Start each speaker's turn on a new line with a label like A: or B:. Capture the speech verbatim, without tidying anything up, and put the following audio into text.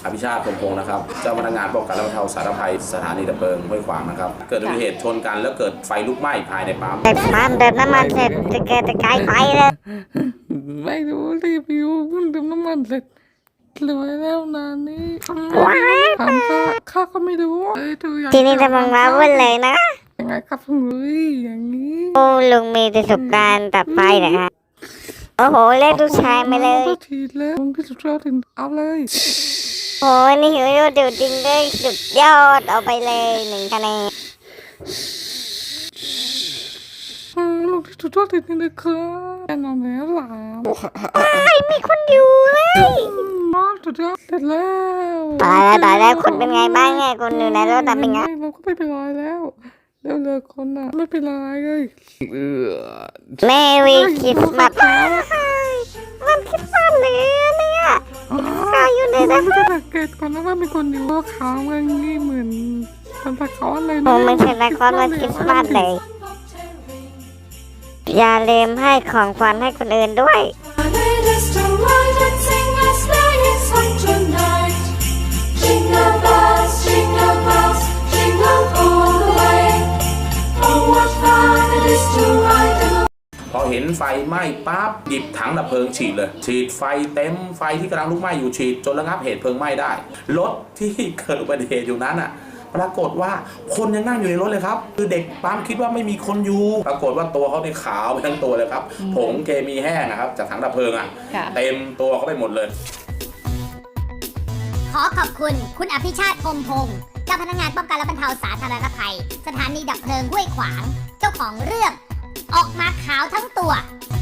A: อภิชาติพงพงศ์นะครับเจ้าพนักงานป้องกันและบรรเทาสาธารณภัยสถานีดับเพลิงห้วยขวางนะครับเกิดอุบัติเหตุชนกันแล้วเกิดไฟลุกไหม้ภายในปั๊ม
B: เติมปั๊มเติมน้ำมันเสร็จจะเกิดตะไคร้ไฟเลย
C: ไม่รู้รีบอยู่เพิ่งเติมน้ำมันเสร็จรวยแล้วนานนี้ถามข้าข้าก็ไม่รู้เอ้ยดูอย่าง
B: ทีนี้จะมังมาวุ่นเลยนะ
C: ยังไงครับลุงลุยอย่างนี้
B: โอ้ลุงมีประสบการณ์ตัดไฟเหรอฮะโอ้โหเรียกลูกชายมาเลย
C: ก็ทีแล้วลุงที่สุดยอดถึงเอาเลย
B: โอ้ยนี่หิวโยดจริงเลยสุดยอดเอาไปเลยหนึ่งคะแนน
C: อืมลุงที่สุดยอดจริงๆเลยครับแน่นอนแล้วหลาม
B: ไม่มีคนอยู่เลย
C: มากสุดยอดเสร็จแล้ว
B: ตายแล้วตายแล้วคนเป็นไงบ้างไงคนอยู่ในรถแต่เป็นไง
C: เราก็ไม่เป็นไรแล้วแล้วเลยคนน่ะไม่เป็นไรเลยเออ
B: แม่วีคริสต์มาสมันคริสต์มาสเลยเนี่ยข้าอยู่ใน
C: ไม่
B: นั้น
C: ได้สังเกตก่อนนะว่ามีคนอยู่ว่าขาวมันนี่เหมือนมันตะเขาอะไร
B: โอ้ไม่ใช่ละครวันคริสต์มาสเลยอย่าลืมให้ของขวัญให้คนอื่นด้วย
D: Jingle bells, jingle bells, jingle all the way. Oh, what fun it is to ride along.
A: พอเห็นไฟไหม้ปั๊บหยิบถังดับเพลิงฉีดเลยฉีดไฟเต็มไฟที่กำลังลุกไหม้อยู่ฉีดจนระงับเหตุเพลิงไหม้ได้รถที่เกิดอุบัติเหตุอยู่นั้นอ่ะปรากฏว่าคนยังนั่งอยู่ในรถเลยครับคือเด็กปั๊มคิดว่าไม่มีคนอยู่ปรากฏว่าตัวเขาในขาวไปทั้งตัวเลยครับผงเคมีแห้งนะครับจากถังดับเพลิงอ่ะเต็มตัวเขาไปหมดเลย
E: ขอขอบคุณคุณอภิชาติพงพงศ์เจ้าพนักงานป้องกันและบรรเทาสาธารณภัย สถานีดับเพลิงห้วยขวาง เจ้าของเรื่อง ออกมาขาวทั้งตัว